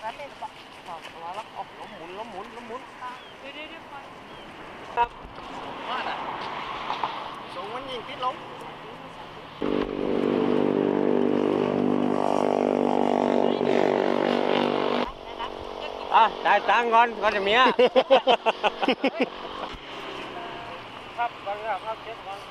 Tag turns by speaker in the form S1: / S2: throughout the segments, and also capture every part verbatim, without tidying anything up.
S1: นั้นเลยบอกมาแล้วออกล้มหมุนล้มหมุนล้มหมุนเดี๋ยวเดี๋ยวครับว่าน่ะสูงมันยิงติดล้มอ่ะได้ตังก่อนก่อนจะเมียครับก่อนครับครับเช็ดก่อน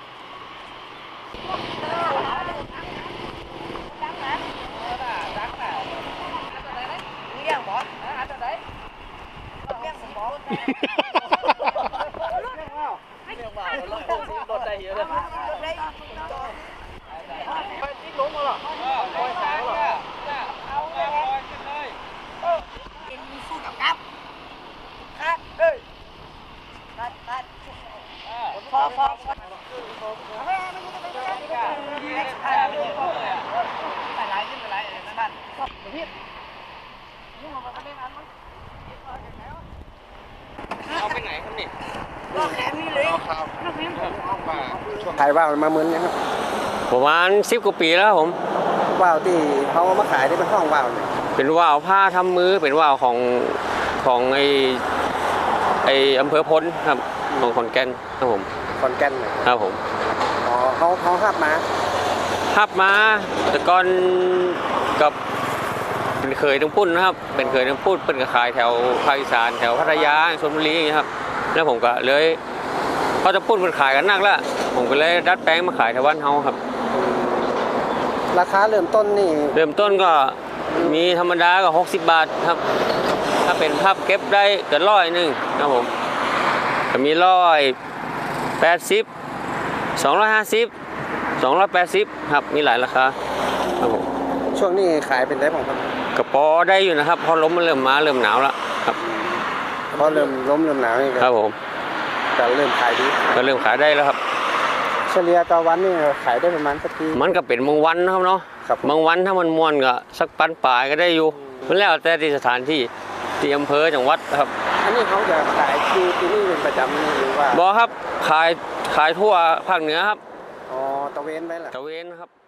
S1: ดังนะดังนะเลี้ยงบ่อาจจะได้เลี้ยงบ่เลี้ยงว่าเลี้ยงว่าเรารถได้เยอะเลยรถได้ไปติ๊กลงมาหรอคอยสายหรอเอาเลยขึ้นเลยเป็นสู้กับกับครับเฮ้ยตัดตัดพอพอพอไม่ไม่ไม่ไม่ไม่ไม่ไรขึ้นไปไรนั่นนั่นพี่นี่มันมาเล่นอันมั้งเอาไปไหนครับนี่ก็แขนนี่เลย
S2: ขายว่าวมาเหมือนยังครับ
S3: ประมาณสิบกว่าปีแล้วผม
S2: ว่าวที่เขามาขายได้เป็นห้องว่าวเนี่ย
S3: เป็นว่าวผ้าทำมือเป็นว่าวของของไอไออำเภอพลครับของขอนแก่นครับผม
S2: ขอนแก่น
S3: ครับผม
S2: อ๋อเขาเขาหับมา
S3: หับมาแต่ก่อนกับเป็นเคยทั้งปุ้นนะครับเป็นเคยทั้งปุ้นเป็นกระขายแถวภาคอีสานแถวพัทยาชลบุรีครับแล้วผมก็เลยพอจะปุ้นเป็นขายกันนักแล้วผมก็เลยดัดแปลงมาขายแถวบ้านเฮาครับ
S2: ราคาเริ่มต้นนี่
S3: เริ่มต้นก็มีธรรมดาก็หกสิบบาทครับถ้าเป็นภาพเก็บได้เกินร้อยหนึ่งครับผมก็มีร้อยแปดสิบสองร้อยห้าสิบสองร้อยแปดสิบครับมีหลายราคาครับผม
S2: ช่วงนี้ขายเป็นได้ผมครับ
S3: กระป๋อได้อยู่นะครับพอล้มมันเริ่มมาเริ่มหนาวแล้วครับ
S2: พอเริ่มล้มเริ่มหนาวนี่
S3: ครับผม
S2: แต่เริ่มขายดี
S3: ก็เริ่มขายได้แล้วครับ
S2: เฉลี่ยต่อวันนี่ขายได้ประมาณสักที
S3: มันก็เป็นบางวันนะครับเนาะบางวันถ้ามันม่วนก็สักปันปลายก็ได้อยู่มันแล้วแต่ที่สถานที่ที่อำเภอจังหวัดครับ
S2: อันนี้เขาจะขายที่ที่นี่เป็นประจำหรือว่า
S3: บ่ครับขายขายทั่วภาคเหนือครับ
S2: อ๋อตะเวนไว้ล่ะ
S3: ตะเวนครับ